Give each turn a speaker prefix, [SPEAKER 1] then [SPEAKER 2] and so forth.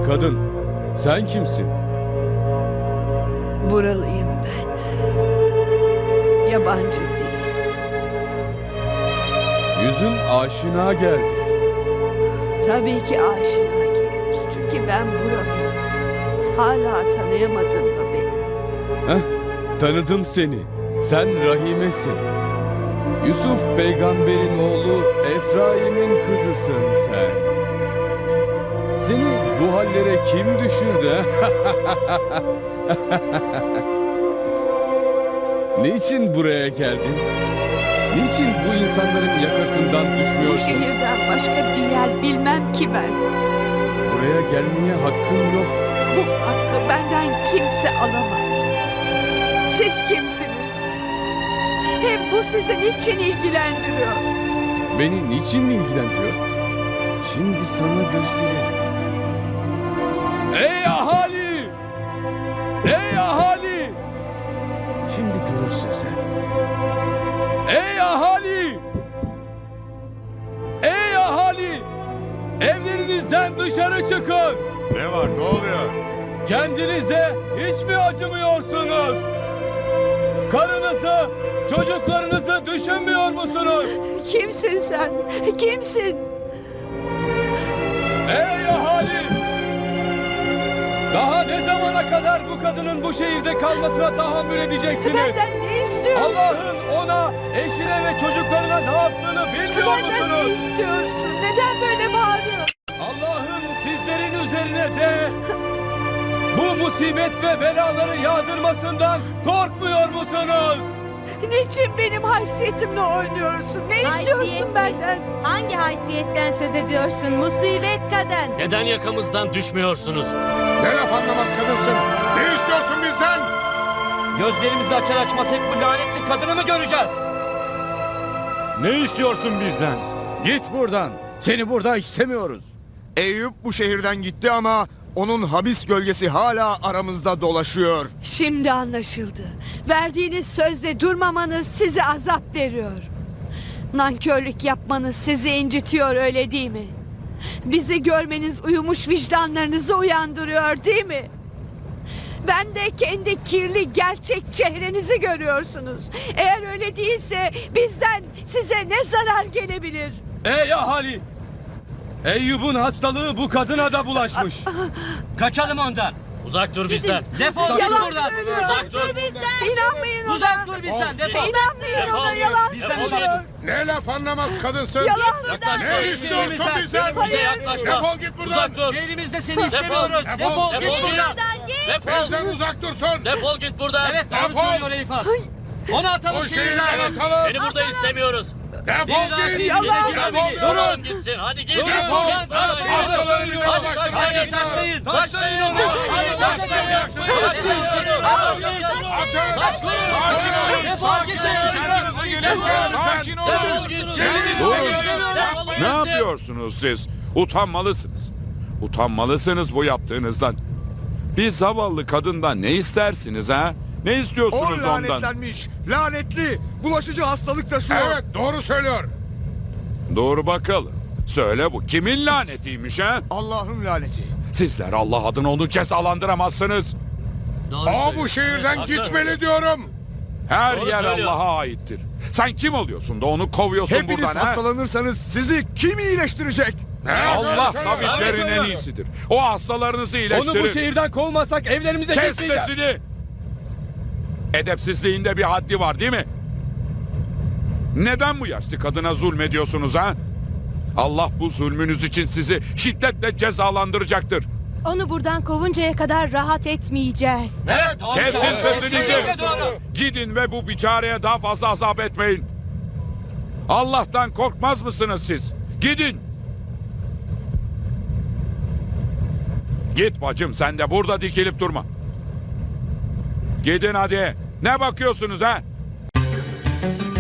[SPEAKER 1] kadın, sen kimsin?
[SPEAKER 2] Buralıyım ben. Yabancı değil.
[SPEAKER 1] Yüzün aşina geldi.
[SPEAKER 2] Tabii ki aşina gelir. Çünkü ben buralıyım. Hala tanıyamadın mı beni?
[SPEAKER 1] Heh, tanıdım seni. Sen Rahime'sin. Yusuf peygamberin oğlu Efraim'in kızısın sen. Seni bu hallere kim düşürdü? Niçin buraya geldin? Niçin bu insanların yakasından
[SPEAKER 2] Bu
[SPEAKER 1] düşmüyorsun?
[SPEAKER 2] şehirden başka bir yer bilmem ki ben.
[SPEAKER 1] Buraya gelmeye hakkın yok.
[SPEAKER 2] Bu hakkı benden kimse alamaz. Siz kimsiniz? Hem bu sizi niçin ilgilendiriyor?
[SPEAKER 1] Beni niçin ilgilendiriyor? Şimdi sana göstereyim. Ey ahali! Ey ahali! Şimdi görürsün sen. Ey ahali! Ey ahali! Evlerinizden dışarı çıkın!
[SPEAKER 3] Ne var, ne oluyor?
[SPEAKER 1] Kendinize hiç mi acımıyorsunuz? Karınızı, çocuklarınızı düşünmüyor musunuz?
[SPEAKER 2] Kimsin sen? Kimsin?
[SPEAKER 1] Ey ahali! Daha ne zamana kadar bu kadının bu şehirde kalmasına tahammül edeceksiniz?
[SPEAKER 2] Benden ne istiyorsun?
[SPEAKER 1] Allah'ın ona, eşine ve çocuklarına ne yaptığını bilmiyor
[SPEAKER 2] Benden ne
[SPEAKER 1] musunuz?
[SPEAKER 2] istiyorsun? Neden böyle bağırıyorsun?
[SPEAKER 1] Allah'ın sizlerin üzerine de bu musibet ve belaları yağdırmasından korkmuyor musunuz?
[SPEAKER 2] Niçin benim haysiyetimle oynuyorsun? Ne istiyorsun
[SPEAKER 4] Haysiyeti.
[SPEAKER 2] benden?
[SPEAKER 4] Hangi haysiyetten söz ediyorsun musibet kadın?
[SPEAKER 5] Neden yakamızdan düşmüyorsunuz?
[SPEAKER 3] Ne laf anlamaz kadınsın? Ne istiyorsun bizden?
[SPEAKER 6] Gözlerimizi açar açmaz hep bu lanetli kadını mı göreceğiz?
[SPEAKER 7] Ne istiyorsun bizden? Git buradan. Seni burada istemiyoruz.
[SPEAKER 3] Eyüp bu şehirden gitti ama onun habis gölgesi hala aramızda dolaşıyor.
[SPEAKER 2] Şimdi anlaşıldı. Verdiğiniz sözle durmamanız size azap veriyor. Nankörlük yapmanız sizi incitiyor, öyle değil mi? Bizi görmeniz uyumuş vicdanlarınızı uyandırıyor, değil mi? Ben de kendi kirli gerçek çehrenizi görüyorsunuz. Eğer öyle değilse bizden size ne zarar gelebilir?
[SPEAKER 1] Ey ahali! Eyyub'un hastalığı bu kadına da bulaşmış.
[SPEAKER 6] Kaçalım ondan.
[SPEAKER 5] Uzak dur bizden.
[SPEAKER 6] Defol git
[SPEAKER 2] Yalan
[SPEAKER 6] buradan.
[SPEAKER 2] söylüyor.
[SPEAKER 5] Uzak dur.
[SPEAKER 2] İnanmayın ona.
[SPEAKER 6] Uzak dur bizden. Defol.
[SPEAKER 2] İnanmayın ona, yalan
[SPEAKER 6] Bizden
[SPEAKER 2] söylüyor.
[SPEAKER 3] Ne laf anlamaz kadınsın?
[SPEAKER 2] Yalan.
[SPEAKER 5] Yaklaş.
[SPEAKER 3] Ne istiyorsun bizden?
[SPEAKER 5] Bize yaklaşma.
[SPEAKER 3] Defol git buradan.
[SPEAKER 5] Uzak dur.
[SPEAKER 6] Şehrimizde seni istemiyoruz.
[SPEAKER 3] Defol.
[SPEAKER 6] Defol git
[SPEAKER 5] Defol.
[SPEAKER 6] buradan.
[SPEAKER 5] Defol.
[SPEAKER 3] Bizden uzak dursun.
[SPEAKER 5] Defol git buradan.
[SPEAKER 6] Evet doğru
[SPEAKER 3] Defol.
[SPEAKER 6] söylüyor Elifas. Onu atalım
[SPEAKER 3] O şehirden
[SPEAKER 6] şehirden.
[SPEAKER 3] atalım.
[SPEAKER 5] Seni burada istemiyoruz.
[SPEAKER 3] Defol git.
[SPEAKER 6] Yalan.
[SPEAKER 3] Defol.
[SPEAKER 5] Durun gitsin. Hadi git.
[SPEAKER 3] Defol.
[SPEAKER 5] Git.
[SPEAKER 3] Hastaları bize
[SPEAKER 5] Hadi
[SPEAKER 3] ulaştırın.
[SPEAKER 5] taşlayın.
[SPEAKER 6] Taşlayın.
[SPEAKER 5] Taşlayın onu. Hadi taşlayın. Taşlayın.
[SPEAKER 3] Sakin olun. Sakin olun. Kendinize gelin. Sakin olun.
[SPEAKER 5] Defol git.
[SPEAKER 3] Kendinize
[SPEAKER 7] Ne yapıyorsunuz siz? Utanmalısınız. Utanmalısınız bu yaptığınızdan. Bir zavallı kadından ne istersiniz ha? Ne
[SPEAKER 3] O
[SPEAKER 7] istiyorsunuz ondan?
[SPEAKER 3] lanetlenmiş. Lanetli. Bulaşıcı hastalık taşıyor. Evet doğru söylüyor.
[SPEAKER 7] Doğru bakalım. Söyle bu kimin lanetiymiş ha?
[SPEAKER 3] Allah'ın laneti.
[SPEAKER 7] Sizler Allah adına onu cezalandıramazsınız.
[SPEAKER 3] O bu şehirden gitmeli diyorum.
[SPEAKER 7] Her
[SPEAKER 5] Doğru
[SPEAKER 7] yer
[SPEAKER 5] söylüyor.
[SPEAKER 7] Allah'a aittir. Sen kim oluyorsun da onu kovuyorsun
[SPEAKER 3] Hepiniz
[SPEAKER 7] buradan ha?
[SPEAKER 3] hastalanırsanız sizi kim iyileştirecek?
[SPEAKER 7] Allah tabiplerin en iyisidir. O hastalarınızı iyileştirir.
[SPEAKER 1] Onu bu şehirden kovmasak evlerimize
[SPEAKER 7] Kes
[SPEAKER 1] gitmeyeceğiz.
[SPEAKER 7] sesini. Edepsizliğinde bir haddi var değil mi? Neden bu yaşlı kadına zulmediyorsunuz ha? Allah bu zulmünüz için sizi şiddetle cezalandıracaktır.
[SPEAKER 4] Onu buradan kovuncaya kadar rahat etmeyeceğiz.
[SPEAKER 6] Evet doğru
[SPEAKER 7] Kesin
[SPEAKER 6] söylüyor.
[SPEAKER 7] sesinizi.
[SPEAKER 6] Kesinlikle doğru.
[SPEAKER 7] Gidin ve bu biçareye daha fazla azap etmeyin. Allah'tan korkmaz mısınız siz? Gidin. Git bacım, sen de burada dikilip durma. Gidin hadi. Ne bakıyorsunuz ha?